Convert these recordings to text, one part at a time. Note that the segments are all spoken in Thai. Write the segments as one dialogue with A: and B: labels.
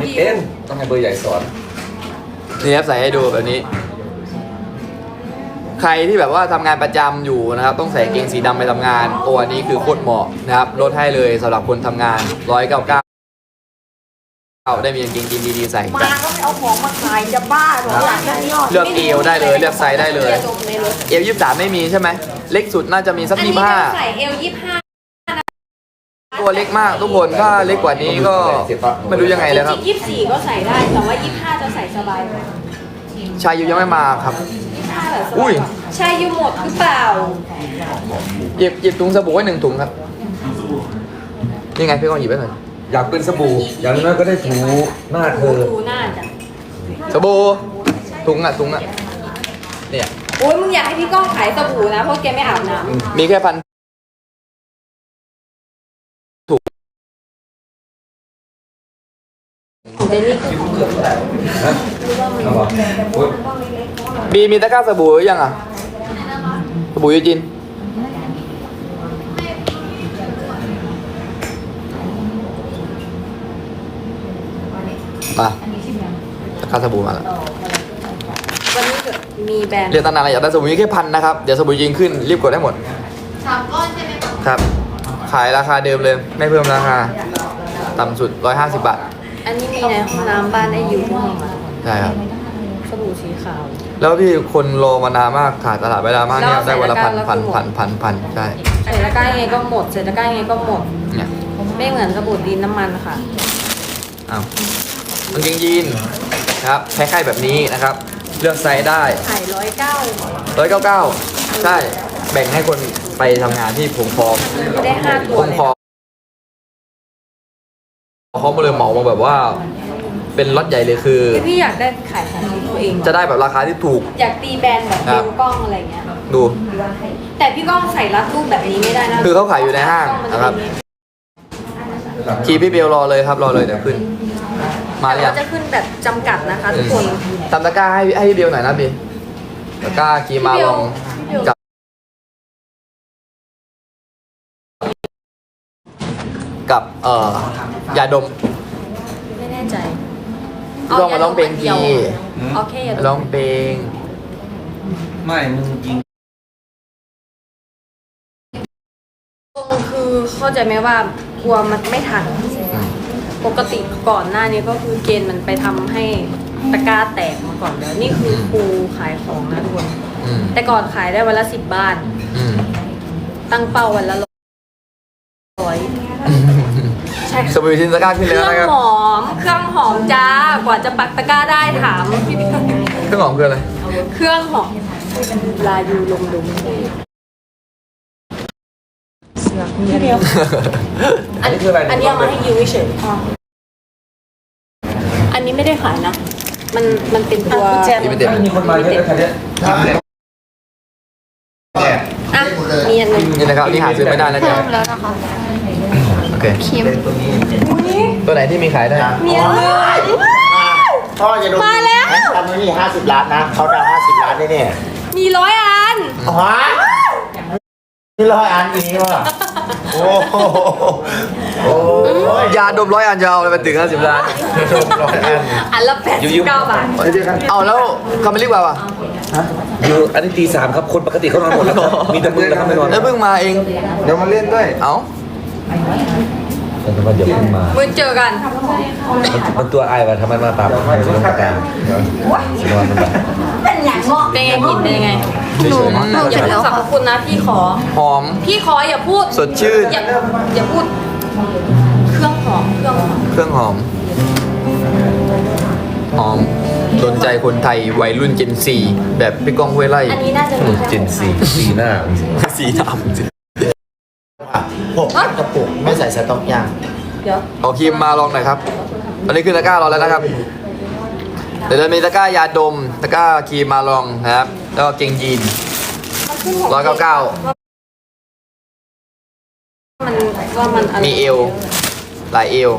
A: ไม่เป็นต้องให้เบอร์ใหญ่สอน
B: นี่ครับใส่ให้ดูแบบนี้ ใครที่แบบว่าทำงานประจำอยู่นะครับต้องใส่กางเกงสีดำไปทำงานโอ้อันนี้คือโคตรเหมาะนะครับลดให้เลยสำหรับคนทำงาน199ได้มีกางเกงยีนดีๆใส่
C: มาก็ไม่เอาของมาขายจะบ้าหรออยากได้ยอด
B: เลือกเอวได้เลยเลือกไซส์ได้เลยเอว23ไม่มีใช่ไหมเล็กสุดน่าจะมีสัก
C: อันนี้
B: 25
C: ใส่เอล25
B: ตัวเล็กมากทุกคนถ้าเล็กกว่านี้ก็ไม่รู้ยังไงเลยครับ
C: จริงๆ24ก็ใส่ได้แต่ว่า25จะใส่สบายกว่า
B: ชายยูยังไม่มาครับ
C: 25แบบส
B: อุ้
C: บาย ยกว่าใช่ยูหมดหรือเปล่า
B: หยิบถุงสบู่ไว้1 ถุงครับนี่ไงพี่กองหยิบไว้หน่อย
A: อยากเป็นสบู่อย่างน้อยก็ได้ถูหน้าเธอ
C: ดูหน้าจ้ะ
B: สบู่ถุงอ่ะเนี่ย
C: โอ้ยมึงอยากให้พี่ก้องขายสบู่นะเพราะแกไม่อาบน้
B: มีแค่1,000
C: ำเดนนี่คือของ
B: บีมีตะกร้าสบู่หรือยังอ่ะสบู่ยูจินมาตะกร้าสบู่มาแล้ว
C: วันนี้มีแบรนด์
B: เรียนตั้งนานอะไรอยากได้สบู่มีแค่1,000นะครับเดี๋ยวสบู่ยิงขึ้นรีบกดได้หมด
C: 3 ก้อนใช่ไหมคะ
B: ครับขายราคาเดิมเลยไม่เพิ่มราคาต่ำสุด150 บาท
C: อันนี้มีในห้องน้ำบ้านได้อยู่ที่ห้องอะ
B: ใช่ครับ
C: สบู่สีขาว
B: แล้วพี่คนรอมานานมากขาดตลาดเวลามากเนี่ยได้วันละพันใช่
C: ใส่ตะกร้ายังไงก็หมดใส่ตะกร้ายังไงก็หมด
B: เนี่ย
C: ไม่เหมือนสบู่ดินน้ำมันค่ะ
B: อ้าวกางเกงยีนนะครับคล้ายๆแบบนี้นะครับเลือกไซส์ได้
C: ขาย
B: 199ใช่แบ่งให้คนไปทำงานที่ผมพร้อม
C: ไม่ได้5 ตัว
B: ผม
C: เลย
B: พร้อมเขามาเลยเหมามาแบบว่าเป็นล็อตใหญ่เลยคือ
C: พี่อยากได้ขายของตัวเอง
B: จะได้แบบราคาที่ถูก
C: อยากตีแบรนด์แบบ
B: ครั
C: เบ
B: บ
C: ลกล้องอะไรเงี้ย
B: ดู
C: แต่พี่ก้องใส่รัดรูปแบบนี้ไม่ได้นะ
B: คือเขาขายอยู่ในห้างนะครับ คีย์พี่เบลรอเลยครับรอเลยเดี๋ยวขึ้น มาหรือ
C: แต่
B: ยัง
C: ว่าจะขึ้นแบบจำกัดนะคะทุกคน
B: ตามตะกร้าให้พี่เบลหน่อยนะบีตะกร้าคีย์มาลองกับยาดม
C: ไม่แน่ใจ
B: ลองมาร้องเพลงที
C: โอเคอย่า
B: ร้องเพลง
A: ไม่มึงยิง
C: คือเข้าใจไหมว่ากลัวมันไม่ทัน ปกติก่อนหน้านี้ก็คือเกณฑ์มันไปทำให้ตะกร้าแตกมาก่อนแล้วนี่คือครูขายของนะทุกคน
B: อืม
C: แต่ก่อนขายได้วันละ10 บ้าน
B: อืม
C: ตั้งเป้าวันละ100ใช่
B: สบู่ทินตะกร้าขึ้น
C: เค
B: แล้ว
C: รื่อง
B: นะครับ
C: หอมเครื่องหอมจ้ากว่าจะปักตะกร้าได้ถามพี่
B: เครื่องหอมคืออะไร
C: เครื่องหอมลายูลงดุงพี่เดียว
A: อันนี้คืออะไร
C: อันนี้เอามาให้ยูเฉยๆอันนี้ไม่ได้ขายนะ มันเป็นตัว
B: ที่ไม่เต็ม
A: มีคนมาเยอะเลยคันเนี้ย
C: อ่ะมีอันหนึง
B: นี่นะครับนี่หาซื้อไม่ได้นะจ๊ะ
C: แล้วนะคะ
B: โอเค
A: ตัวนี้
B: ตัวไหนที่มีขายได้
C: มีอันหนึง
D: พ่อจะโดน
C: มาแล้ว
D: ทำนี่50 ล้านนะเขาดาว50 ล้านได้เนี่ย
C: มี100 อัน
D: ฮะนี่100 อันอีนี้ว่ะโอ้โหโอ้ย
B: ยาดม100 อันจะเอาอะไรไปถึง50 ล้าน
D: 100 อัน
C: อันละ89 บาท
B: เอาแล้วคำไม่รีบกว่า
A: อยู่อันนี้ตี 3ครับคนปกติเขานอนหมดแล้วครับมีแต่มึงนะครับไม่นอน
B: แล้วเพิ่งมาเอง
A: เดี๋ยวมาเล่นด้วย
B: เอ้า
A: แต่ว่าเดี๋ยวเพิ่งมา
C: มือเจอกัน
A: มันตัวไอ้ว่ะทำไมมาตามลงตามสนอนมันแบบ
C: เป็นไงกลินเป็นยังไง
B: หนู
C: อย่าพูดสรรพคุณนะพี่ขอ
B: หอม
C: พี่ขออย่าพูด
B: สดชื่น
C: อย่าพูด เครื่องหอม
B: เครื่องหอม หอมโดนใจคนไทยวัยรุ่นเจนซีแบบพี่ก้องห้วยไร่
C: อันนี้น่าจะมีแค่
A: เจนสีหน้า
B: สีดำ
D: 6 กระปุกไม่ใส่สต๊อกยาง
C: เดี๋ยว
B: ขอครีมมาลองหน่อยครับตอนนี้ขึ้นตะกร้ารอแล้วนะครับ เดี๋ยวจะมีตะกร้ายาดม ตะกร้าครีมมาลองนะครับ แล้วก็เกงยีน
C: มันขึ้นของ
B: 199
C: มันอะไร
B: มีเอว หลายเอว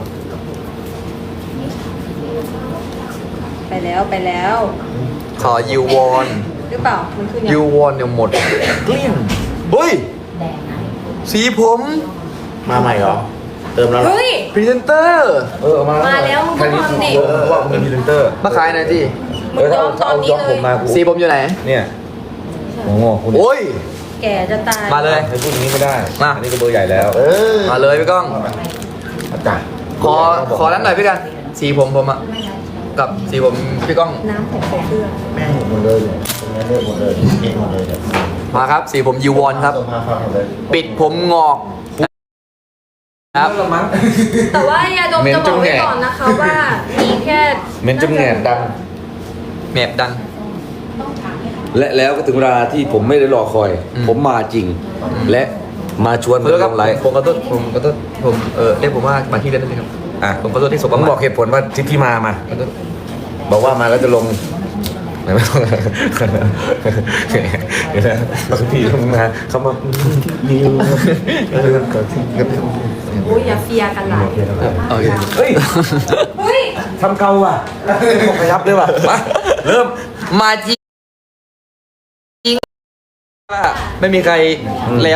C: ไปแล้ว
B: ขอยูวอน
C: หรือเปล่า มันขึ้นยัง
B: ยูวอนเดี๋ยวหมดเกลี้ยงเฮ้ย สีผม
D: มาใหม่เหรอเติมแล้วเหรอ
C: เฮ้ย
B: พรีเซนเตอร์
A: เอามา
C: มาแล้วมึงต้องทำดิ
A: เพราะว่าผมเป็นพรีเซนเตอร์
B: มาขายหน่อยสิ
C: มึงยอมตอนนี้
A: ยอม
C: เล
A: ผ
C: ย
A: มมากู
B: สีผมอยู่ไหน
A: เนี่ยโอ้โหคุณ
B: โอ้ย
C: แก่จะตาย
B: มาเลย
A: ให้พูดอย่างนี้ไม่ได้
B: มา
A: อันนี้ก็เบอร์ใหญ่แล้ว
B: มาเลยพี่ก้อง
D: อาจารย์
B: ขอนั้นหน่อยพี่กัน สีผมอะกับสีผมพี่ก้อง
C: น้ำของเสื้อ
D: แม่งหมดเลยเนี่ยตรงนี้เลือกหมดเลยเองหมดเลยเนี่ย
B: มาครับ สีผมยูวอนครับ
D: ส่งมาฟังหมดเลย
B: ปิดผมงอกครับ
C: แต่ว่ายาดมจะบอกไว้ก่อนนะคะว่ามีแค่
A: เมนจมแงนดัง
B: แมบดัง
A: และแล้วก็ถึงเวลาที่ผมไม่ได้รอคอย
B: อืม
A: ผมมาจริง และมาชวน
B: ขอโทษครับ
A: ลงไลฟ์
B: ผมขอโทษผมเรียกผมว่ามาที่เล่นได้ไหมครับ
A: อ่ะ
B: ผมขอโทษที่สบ
A: ผ
B: ป
A: ม
B: ระมาท
A: บอกเหตุผลว่าที่มา
B: ขอโทษ
A: บอกว่ามาแล้วจะลงไหนไม่ต้องเดี๋ยวนะบางทีเขามาเขามานิว
C: โอ้ยอย่าเฟียกันหลาย
B: โอเค
A: เฮ้ย
C: เฮ้ย
A: ทำเกาว่ะบอกขยับเลยว่ะมาเริ่ม
B: มาจริงว่าไม่มีใครแล้ว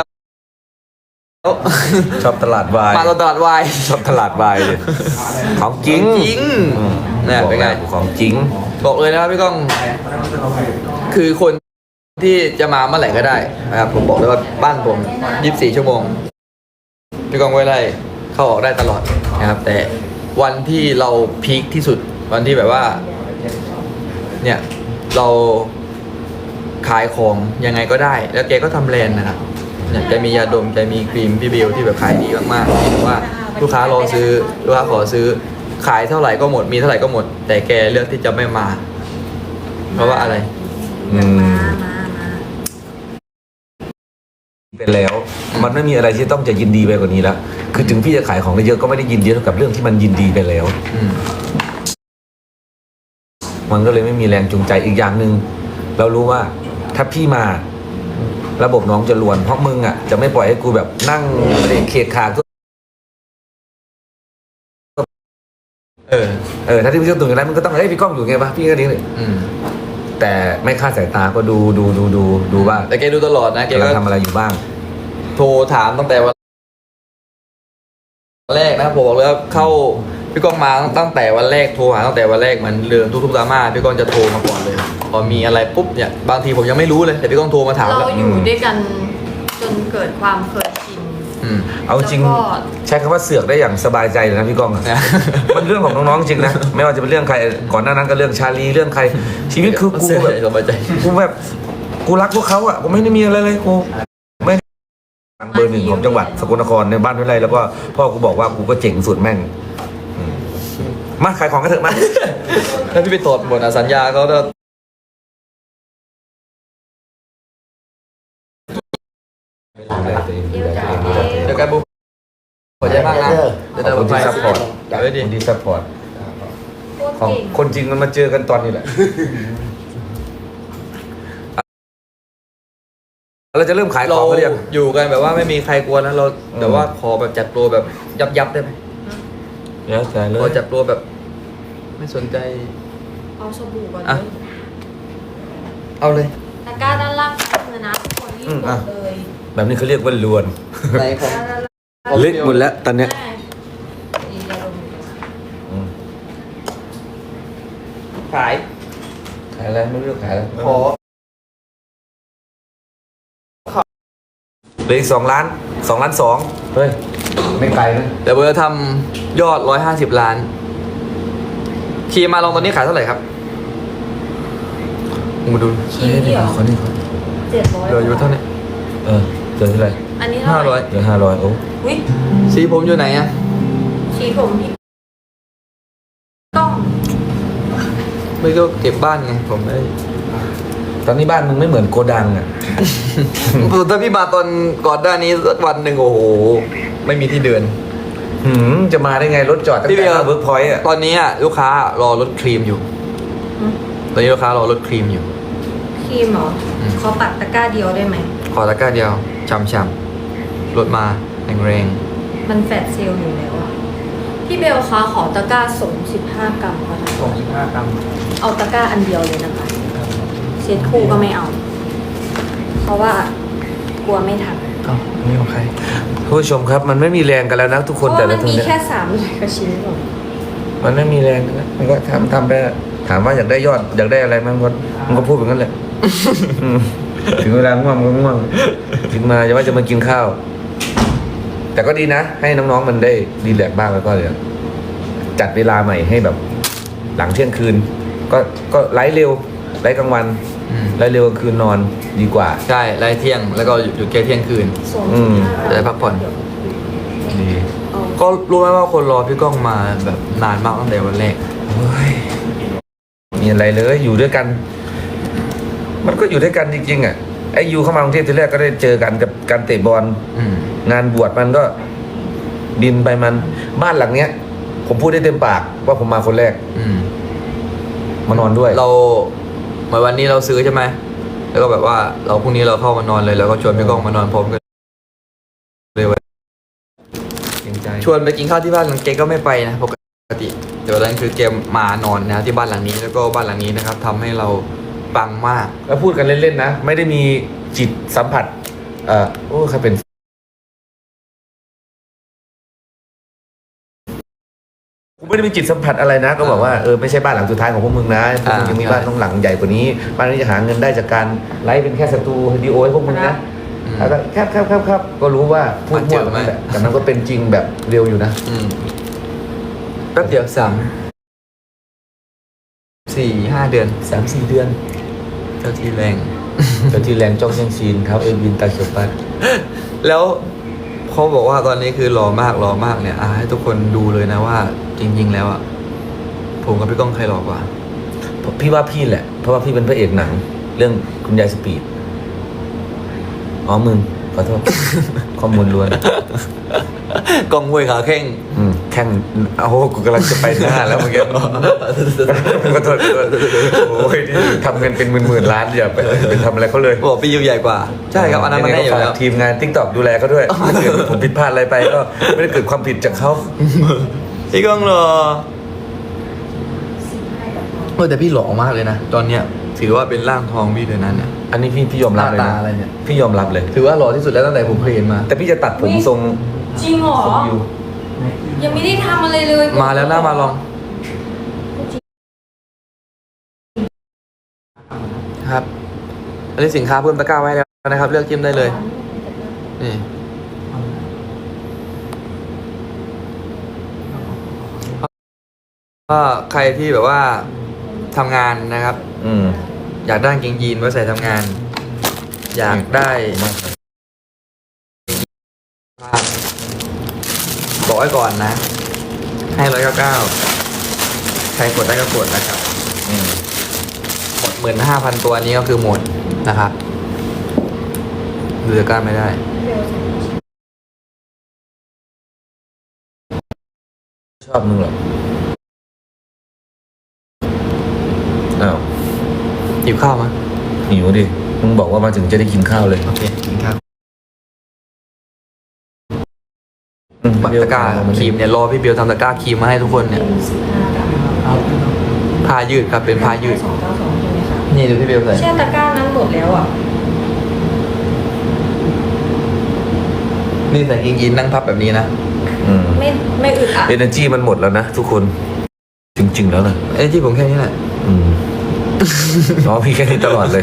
A: ชอบตลาดวาย
B: มาตลาดวาย
A: ชอบตลาดวายเลยของจริง
B: จริง
A: อืม
B: เนี่ยเป็นไง
A: ของจริง
B: บอกเลยนะครับพี่ก้อง คือคนที่จะมาเมื่อไหร่ก็ได้นะครับผมบอกเลยว่าบ้านผม24 ชั่วโมงพี่ก้องไว้ไล่เข้าออกได้ตลอดนะครับ แต่วันที่เราพีคที่สุดวันที่แบบว่า เนี่ยเราขายของยังไงก็ได้ แล้วแกก็ทำแบรนด์นะครับเนี่ยแกมียาดมแกมีครีมพี่เบลที่แบบขายดีมากๆที่แบบว่าลูกค้ารอซื้อลูกค้าขอซื้อขายเท่าไหร่ก็หมดมีเท่าไหร่ก็หมด แต่แกเลือกที่จะไม่มา เพราะว่าอะไร
A: อืม
C: มา
A: ไปแล้ว มันไม่มีอะไรที่ต้องจะยินดีไปกว่านี้แล้วคือถึงพี่จะขายของได้เยอะก็ไม่ได้ยินดีเท่ากับเรื่องที่มันยินดีไปแล้ว
B: อืม
A: มันก็เลยไม่มีแรงจูงใจอีกอย่างหนึ่งเรารู้ว่าถ้าพี่มา ระบบน้องจะลวนเพราะมึงอ่ะจะไม่ปล่อยให้กูแบบนั่งเคกขาก็ ถ้าที่พี่เชื่อตรงอย่างนั้นมันก็ต้องให้พี่ก้องอยู่ไงวะพี่ก็นี้เลย
B: อืม
A: แต่ไม่คาดสายตาก็ดูว่า
B: แต่แกดูตลอดนะแก
A: กำลั
B: ก็
A: งทำอะไรอยู่บ้าง
B: โทรถามตั้งแต่วันแรกนะครับผมบอกเลยว่าเข้าพี่ก้องมาตั้งแต่วันแรกโทรหาตั้งแต่วันแรกเหมือนเดิมทุกๆดราม่าพี่ก้องจะโทรมาก่อนเลยพอมีอะไรปุ๊บเนี่ยบางทีผมยังไม่รู้เลยแต่พี่ก้องโทรมาถาม
C: เรา
B: แล้ว
C: อยู่ด้วยกันจนเกิดความเคยชิน
B: อืม
A: เอาจริง
C: แล้วก็
A: ใช้คำว่าเสือกได้อย่างสบายใจเลยนะพี่ก้องอะ
B: นะ
A: มันเรื่องของน้องๆจริงนะไม่ว่าจะเป็นเรื่องใครก่อนหน้านั้นก็เรื่องชาลีเรื่องใคร ชีวิตคือกู
B: เสีย
A: แบบ
B: ใจสบายใจ
A: กูแบบกูรักพวกเขาอ่ะกูไม่ได้มีอะไรเลยกูไม่เบอร์หนึ่งของจังหวัดสกลนครในบ้านวิไลแล้วก็พ่อกูบอกว่ากูก็เจ๋งสุดแม่งอืมมาขายของกันเถอะมา
B: ถ้าพี่ไปตรวจหมดอะสัญญาเขาจะเดี๋ยวกันบุ๊คขอใจมากนะเดี๋ยว
A: ขอบคุณ
B: ไป
A: ที่ซัพพอร์ต
B: เดี๋ยวดิ
A: คนที่ซัพพอร์ต
C: โคตร
A: ของ
C: เก่ง
A: คนจริงมันมาเจอกันตอนนี้แหละเราจะเริ่มขายข
B: เรา
A: องเขาเรียง
B: อยู่กันแบบว่าไม่มีใครกลัวนะเราแต่ว่าขอแบบจัดโปรแบบยับได้ไหม
A: แล้วแต่เล
B: ขอย จัดโปรแบบ ไม่สนใจ
C: เอาสบู่ก่อน
B: อ่ะ
C: เลย
B: เอาเลย
C: ตะกร้าด้านล่างเลยนะทุกคนรีบกดเลย
A: แบบนี้เขาเรียกว่าลวน
B: ไหนของ
C: ตะกร้าด้านล่าง
A: เล็กหมดแล้วตอนเนี้ย
C: แม่อีกยาดมอยู่นะ
A: อืม
B: ขาย
A: ขายอะไรไม่รู้ขายอะไร
B: ขอ
A: เหลืออีก2 ล้าน2 ล้าน2เฮ้ยไม่ไกลนะ
B: เดี๋ยวเบอร์ทำยอด150 ล้านคีมาลองตอนนี้ขายเท่าไหร่ครับมาดู
C: คีย์นี่เหรอ
A: ขอนี่ขอ
C: 700
B: เหลืออยู่เท่านี้
A: เออเจอเท่าไหร่
C: อันนี้เท่าไหร่
B: 500
A: เหลือ500โอ้
C: อุ้ย
B: สีผมอยู่ไหนอะ
C: ชีผมพี่ต้อง
B: ไม่ก็เก็บบ้านไงผมไม่
A: ตอนนี้บ้านมึงไม่เหมือนโกดังอ่ะ
B: ถ้าพี่มาตอนก่อนหน้านี้สักวันหนึ่งโอ้โห ไม่มีที่เดิน
A: จะมาได้ไงรถจอดตั้ง
B: พี่เบี
A: แต่
B: ยร์
A: เวิร์กพอยต์อ่ะ
B: ตอนนี้อะลูกค้ารอรถครีมอยู่ ตอนนี้ลูกค้ารอรถครีมอยู่
C: ครีมเหรอ
B: อืม
C: ขอปัดตะกร้าเดียวได้ไหม
B: ขอตะกร้าเดียวช่ำๆรถมาแรง
C: มันแฟดเซลล์อยู่แล้วอะพี่เบลคะขอตะกร้าส่ง15 กรัมค่ะ
B: 25 กรัม
C: เอาตะกร้าอันเดียวเลยนะคะเซตคู่ก็ไม่เอา เพราะว่ากลัวไม่ทัน
B: เอ้าอันนี่ของใคร
A: ผู้ชมครับ มันไม่มีแรงกันแล้วนะทุก
C: เพ
A: คน
C: ราะ
A: แต่
C: ว่ามั
A: ละ
C: น
A: คน
C: มี
A: เนี่ย
C: แค่300กว่าชิ้นหรอก
A: มันไม่มีแรงนะมันก็ทำไปอะถามว่าอยากได้ยอดอยากได้อะไรมันก็พูดแบบนั้นแหละ อืมถึงเวลาง่วงมันก็ง่วงถึงมาจะว่าจะมากินข้าว แต่ก็ดีนะ ให้น้องๆมันได้รีแลกซ์บ้างแล้วก็เดี๋ยวจัดเวลาใหม่ให้แบบ หลังเที่ยงคืน ก็ไลฟ์เร็วไลฟ์กลางวัน
B: อืม
A: ไลฟ์เร็วกลางคืนนอนดีกว่า
B: ใช่ไล่เที่ยงแล้วก็หยุดแค่เที่ยงคืน
C: ส่วน
A: อืม
B: จะได้พักผ่อน
A: ดี
B: ก็รู้ไหมว่าคนรอพี่ก้องมาแบบนานมากตั้งแต่วันแรก
A: โอ้ยมีอะไรเลยอยู่ด้วยกัน มันก็อยู่ด้วยกันจริงๆอ่ะไอ้ยูเข้ามากรุงเทพทีแรกก็ได้เจอกันกับการเตะบอล
B: อืม
A: งานบวชมันก็บินไปมันบ้านหลังเนี้ย ผมพูดได้เต็มปากว่าผมมาคนแรก
B: อืม
A: มานอนด้วย
B: เราเหมือนวันนี้เราซื้อใช่ไหมแล้วก็แบบว่าเราพรุ่งนี้เราเข้ามานอนเลยแล้วก็ชวนพี่ก้องมานอนพร้อมกันเลยวัน
A: เกรงใจ
B: ชวนไปกินข้าวที่บ้านหลังเกก็ไม่ไปนะปกติเดี๋ยวนั้นคือเกมมานอนนะที่บ้านหลังนี้แล้วก็บ้านหลังนี้นะครับทำให้เราปังมาก
A: แล้วพูดกันเล่นๆนะ ไม่ได้มีจิตสัมผัสโอ้ใครเป็นกูไม่ได้มีจิตสัมผัสอะไรนะ ก็บอกว่าไม่ใช่บ้านหลังสุดท้ายของพวกมึงนะพวกมึงยังมีบ้านต้องหลังใหญ่กว่านี้บ้านนี้จะหาเงินได้จากการไลฟ์เป็นแค่สตูดิโอให้พวกมึงนะ
B: อืม
A: แล้วก็ครับก็รู้ว่าพูด
B: มันเจ
A: มั่ว
B: อไหม
A: นั่นแหละแต่มันก็เป็นจริงแบบเร็วอยู่นะ
B: อืมแป๊บเดียว4-5 เดือน
A: 3-4 เดือน
B: เจ้าที่แรง
A: เจ้าที่แรงจ้องเชียงซีนเท้าเอวินตาเขียวปัด
B: แล้วเขาบอกว่าตอนนี้คือหล่อมากเนี่ยให้ทุกคนดูเลยนะว่า จริง ๆ แล้วอ่ะผมกับพี่ก้องใครหล่อกว่า
A: พี่ว่าพี่แหละ เพราะว่าพี่เป็นพระเอกหนัง เรื่องคุณยายสปีดอ๋อมึงขอโทษ ข้อมูลล้วน
B: กองมวยขาแข้ง
A: แข่งเอากูกำลังจะไปหน้าแล้วเมื่อกี้ขอโทษโอ้ยนี่ทำเงินเป็นหมื่นๆล้านอย่าไปทำอะไรเขาเลย
B: บอกพี่ยูใหญ่กว่า ใช่ครับอันนั้นมันได้อยู่แล้ว
A: ฝากทีมงานทิกตอกดูแลเขาด้วยถ้าเกิดผมผิดพลาดอะไรไปก็ไม่ได้เกิดความผิดจากเขา
B: พี่ก้องหล่อแต่พี่หล่อมากเลยนะตอนเนี้ยถือว่าเป็นร่างทองพี่เลยนั้นเนี่ย
A: อันนี้พี่ยอมรับเลย
B: หน้า
A: นะ
B: ตาอะไรเนี่ย
A: พี่ยอมรับเลย
B: ถือว่าหล่อที่สุดแล้วตั้งแต่ผมเคยเห็นมา
A: แต่พี่จะตัดผมทรง
C: จริงเหรอ
A: ยู
C: ยังไม่ได้ทำอะไรเลย
B: มาแล้วหน้ามาลองครับอันนี้สินค้าเพิ่มตะกร้าไว้แล้วนะครับ เลือกจิ้มได้เลยนี่ก็ใครที่แบบว่าทำงานนะครับ อยากได้กางเกงยีนไว้ใส่ทำงาน อยากได้บอกไว้ก่อนนะ ให้199ใครกดได้ก็กดนะครับหมด15,000 ตัวนี้ก็คือหมดนะครับดูตะกร้าไม่ได้
A: ชอบมึงเหรออ้าว
B: หิวข้าวมั้ย
A: หิวดิมึงบอกว่ามาถึงจะได้กินข้าวเลย
B: โอเคกินข้าว
A: บั
B: ตะกร้าครีมเนี่ยรอพี่เบลทำตะกร้าครีมมาให้ทุกคนเนี่ยผ้ายืดครับเป็นผ้ายืด
C: 292ใช่ไหมคะ
B: นี่ดูพี่เบลใส่
C: แช่ตะกร้านั้นหมดแล้วอ่ะ
B: นี่ใส่กางเกงยีนนั่งพับแบบนี้นะ
C: ไม่อึดอัด
A: เอเนอร์จีมันหมดแล้วนะทุกคน จริง ๆ แล้วนะ
B: เอ้ยที่ผมแค่นี้แหละ
A: น้องพี่แค่นี้ตลอดเลย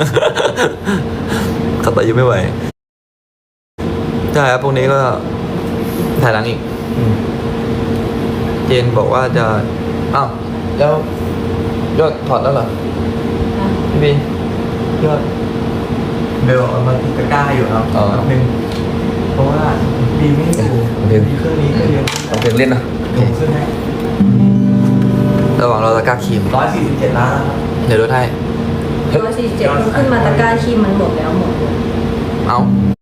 B: ขับไปยังไม่ไหวใช่ครับพวกนี้ก็ถ่ายหลังอีก เจนบอกว่าจะอ้าวแล้วยอดถอดแล้วเหรอพี่บียอด
E: เบลเอามาติดตะกร้าอยู่ครับ
B: อ๋อ
E: แป๊บนึงเพราะว่าดีไม่อยู่
A: เดี๋ยว
E: ดีเครื่องนี้ก็เยอะ
A: เอาเพลงเล่นนะ
E: ผมขึ้นให้
B: ระหว่างเราตะกร้าครีม
E: 147 ล้านแล้วครับ
B: เดี๋ยวลดให้
C: 147มันขึ้นมาตะกร้าครีมมันหมดแล้วหมดเลย
B: เอา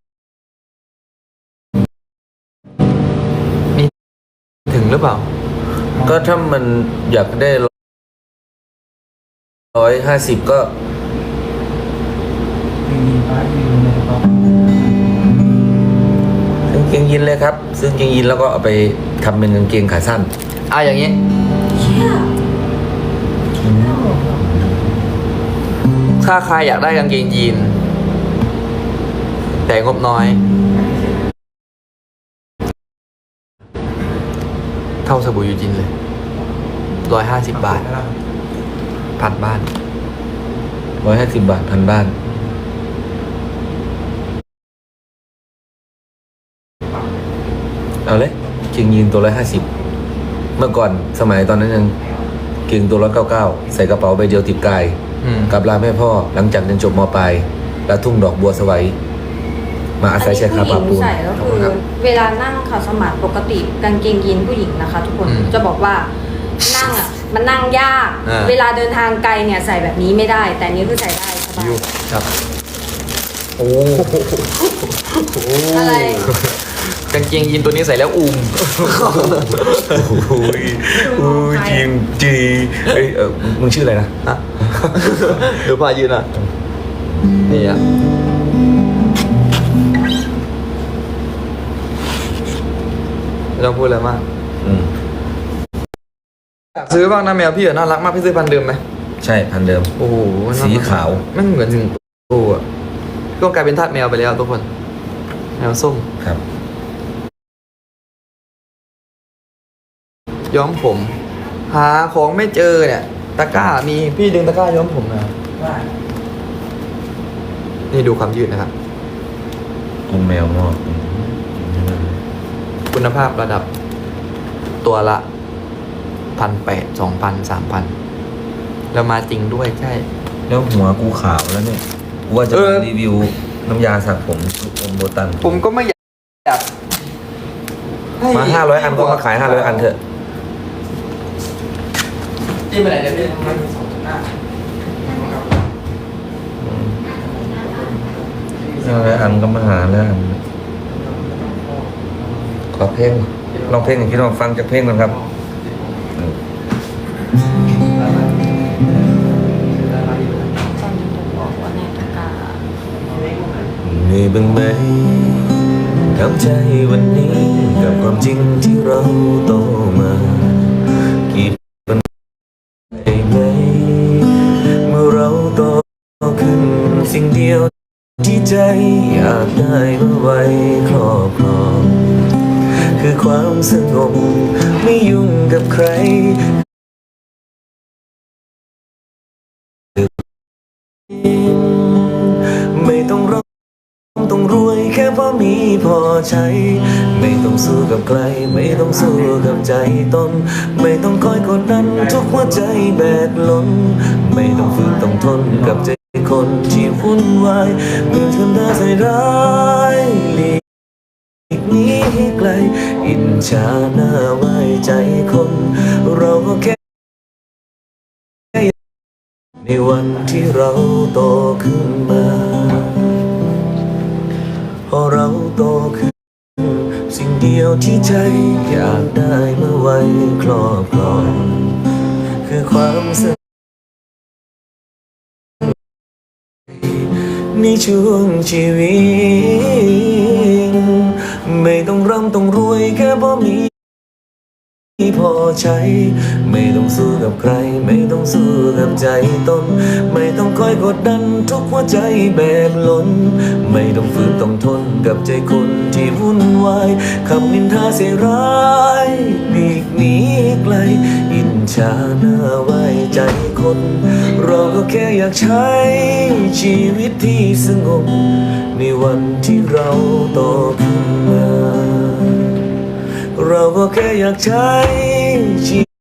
B: มีถึงหรือเปล่า
A: ก็ถ้ามันอยากได้150ก็
E: มีป้ายอยู่ในกล่อง
A: ซื้อกางเกงยีนเลยครับซื้อกางเกงยีนแล้วก็เอาไปทำเป็นกางเกงขาสั้น
B: อย่างนี้
C: เชี่ย
B: ถ้าใครอยากได้กางเกงยีนแต่งบน้อย เท่าสบู่ยูจินเลย150 บาทพันบ้าน
A: 150 บาทพันบ้าน เอาเลยเกงยีนตัว150เมื่อก่อนสมัยตอนนั้นยังเกงตัว199ใส่กระเป๋าใบเดียวติดกาย
B: อืม
A: กับลาแม่พ่อหลังจากเรียนจบมปลายแล้วทุ่งดอกบัวสวัยมาอาศัยใช้คา
C: ผู้ห
A: ปา
C: ญิง
A: ปูน
C: ใส่ก็คือเวลานั่งขัดสมาธิปกติกางเกงยีนผู้หญิงนะคะ ทุกคนจะบอกว่านั่งอ่ะมันนั่งยาก เวลาเดินทางไกลเนี่ยใส่แบบนี้ไม่ได้ แต่อันนี้คือใส่ได้สบาย
B: ยูครับ โอ้
C: อะไร
B: กางเกงยีนตัวนี้ใส่แล้วอุ้ม
A: จริงจีเอ้ยมึงชื่ออะไรนะ
B: ฮะดูพายืนอ่ะ นี่อ่ะไม่ต้องพูดอะไรมาก อยากซื้อบ้างนะแมวพี่อะน่ารักมากพี่ซื้อพันธุ์เดิมไหม
A: ใช่พันเดิม
B: โอ้โหน่รัก
A: สีขาว
B: ไม่เหมือนถึงโอ้อะก็กลายเป็นทาสแมวไปแล้วทุกคน แมวส้ม
A: ครับ
B: ย้อมผม หาของไม่เจอเนี่ย ตะกร้ามีพี่ดึงตะกร้าย้อมผมนะนี่ดูความยืดนะครับ
A: คุณแมวงอก
B: คุณภาพระดับตัวละ1,800 2,000 3,000แล้วมาจริงด้วยใช่
A: แล้วหัวกูขาวแล้วเนี่ยกูว่าจะ
B: เออ
A: มารีวิวน้ำยาสระผมอมโบตัน
B: ผมก็ไม่อยากให้
A: มา500 อันก็มาขาย500 อันเถอะ
B: จิ้มไปไหนเดี๋ยวพี่
A: 500 อันก็มาหาแล้วอันขอเพลงลองเพลงอย่างที่ลองฟังจากเพลงกันครับ
C: ตอนนี้ผมบอกว่าในตะกร้า
A: มีบ้างไหมทำใจวันนี้กับความจริงที่เราโตมากี่ปีได้ไหมเมื่อเราโตขึ้นสิ่งเดียวที่ใจอยากได้เมื่อไว้ครอบครองคือความสงบไม่ยุ่งกับใครไม่ต้องร้องต้องรวยแค่พอมีพอใช้ไม่ต้องสู้กับใครไม่ต้องสู้กับใจตนไม่ต้องคอยกดดันทุกหัวใจแบกล้นไม่ต้องฝืนต้องทนกับใจคนที่วุ่นวายเมื่อทำหน้าใส่ร้ายหลีกหนีให้ไกลอิจฉาหน้าไว้ใจคนเราก็แค่ในวันที่เราโตขึ้นมาพอเราโตขึ้นสิ่งเดียวที่ใจอยากได้เมื่อไว้ครอบครองคือความสงบในช่วงชีวิตไม่ต้องร่ำต้องรวยแค่พอมีพอใช้ไม่ต้องสู้กับใครไม่ต้องสู้กับใจตนไม่ต้องคอยกดดันทุกหัวใจแบกล้นไม่ต้องฝืนต้องทนกับใจคนที่วุ่นวายคำนินทาเสียร้ายหลีกหนีไกลอิจฉาหน้าไว้ใจคนเราก็แค่อยากใช้ชีวิตที่สงบในวันที่เราโตขึ้นมาเราก็แค่อยากใช้ชีวิต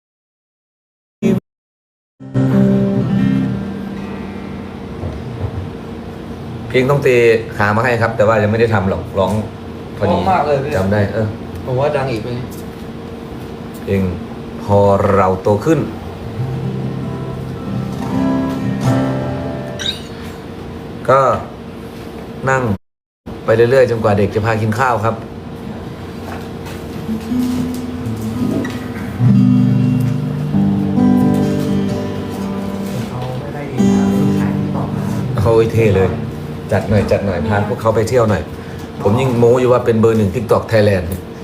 A: เพลงต้องเตะขามาให้ครับ แต่ว่ายังไม่ได้ทำหรอกร้องพอดี
B: ร้องมากเลยพี่
A: จำได้
B: ผมว่าดังอีกไหม
A: เพลงพอเราโตขึ้น ก็นั่งไปเรื่อยๆจนกว่าเด็กจะพากินข้าวครับ
E: เขาไม่ได้ดีนะขายที่บอกมา
A: เขาเท่เลย จัดหน่อยพาพวกเขาไปเที่ยวหน่อย ผมยิ่งโม้อยู่ว่าเป็นเบอร์ 1 TikTok Thailand